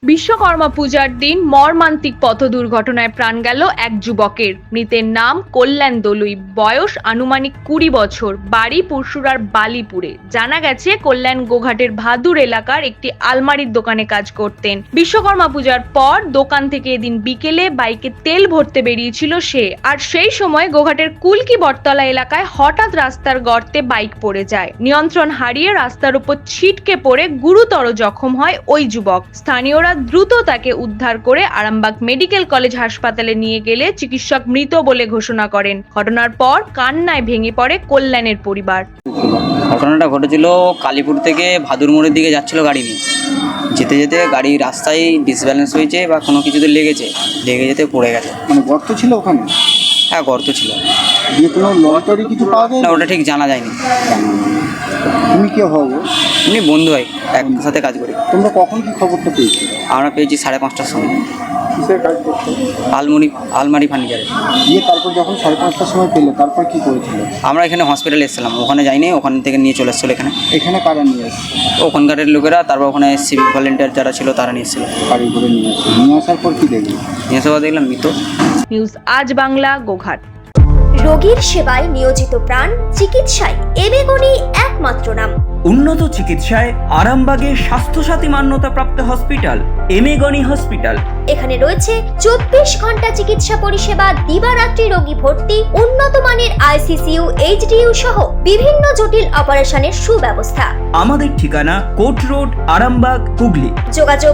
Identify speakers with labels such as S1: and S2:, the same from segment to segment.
S1: বিশ্বকর্মা পূজার দিন মর্মান্তিক পথ দুর্ঘটনায় প্রাণ গেল এক যুবকের। মৃতের নাম কল্যাণ দলুই, বয়স আনুমানিক 20 বছর, বাড়ি পুরসুরার বালিপুরে। জানা গেছে কল্যাণ গোঘাটের ভাদুর এলাকার একটি আলমারির দোকানে কাজ করতেন। বিশ্বকর্মা পূজার পর দোকান থেকে এদিন বিকেলে বাইকে তেল ভরতে বেরিয়েছিল সে। আর সেই সময় গোঘাটের কুলকি বটতলা এলাকায় হঠাৎ রাস্তার গর্তে বাইক পড়ে যায়। নিয়ন্ত্রণ হারিয়ে রাস্তার উপর ছিটকে পড়ে গুরুতর জখম হয় ওই যুবক। স্থানীয়রা দ্রুত তাকে উদ্ধার করে আরামবাগ মেডিকেল কলেজ হাসপাতালে নিয়ে গেলে চিকিৎসক মৃত বলে ঘোষণা করেন। ঘটনার পর কান্নায় ভেঙে পড়ে কল্যাণের পরিবার।
S2: ঘটনাটা ঘটেছিল কালীপুর থেকে ভাদুর মোড়ের দিকে যাচ্ছিল গাড়ি নিয়ে। যেতে যেতে গাড়ি রাস্তায় ডিসব্যালেন্স হয়েছে বা কোনো কিছুতে লেগে যেতে পড়ে গেছে।
S3: মানে গর্ত ছিল ওখানে?
S2: হ্যাঁ, গর্ত ছিল।
S3: দিয়ে কোনো লটারি কিছু পাওয়া যায়
S2: না, ওটা ঠিক জানা যায়নি।
S3: তুমি কে হবো?
S2: এমনি বন্ধু হয়, একসাথে কাজ করি।
S3: তোমরা কখন কি খবরটা পেয়েছো?
S2: আমরা পেয়েছি 5:30টার সময়।
S3: কিসের কাজ করছো?
S2: আলমারি ফার্নিচারে।
S3: দিয়ে তারপর যখন 5:30টার সময় পেলে তারপর কি করেছিল?
S2: আমরা এখানে হসপিটালে এসেছিলাম, ওখানে যাইনি, ওখান থেকে নিয়ে চলে এসেছিলো এখানে।
S3: এখানে কারা নিয়ে এসছে?
S2: ওখানকারের লোকেরা, তারপর ওখানে সিভিক ভলেন্টিয়ার যারা ছিল তারা নিয়ে এসেছিলো।
S3: গাড়ি করে নিয়ে আসছে, নিয়ে আসার পর কি দেখলি?
S2: নিয়ে এসে দেখলাম মৃত।
S1: নিউজ আজ বাংলা, গোঘাট।
S4: রোগীর সেবায় নিয়োজিত প্রাণ, চিকিৎসায় এবেগুনি একমাত্র নাম।
S5: উন্নত চিকিৎসায় আরামবাগে স্বাস্থ্যসাথী মান্যতাপ্রাপ্ত হসপিটাল এমেগনি হসপিটাল।
S4: এখানে রয়েছে 24 ঘন্টা চিকিৎসা পরিষেবা, দিবারাত্রি রোগী ভর্তি, উন্নত মানের আইসিসিইউ, এইচডিইউ সহ বিভিন্ন জটিল অপারেশনের সুব্যবস্থা।
S5: আমাদের ঠিকানা কোট রোড, আরামবাগ, হুগলি।
S4: যোগাযোগ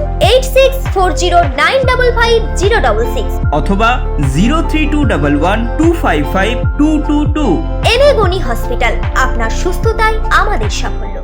S4: 8640955066
S5: অথবা 032112552222।
S4: এবেগুনি হসপিটাল, আপনার সুস্থতাই আমাদের সাফল্য।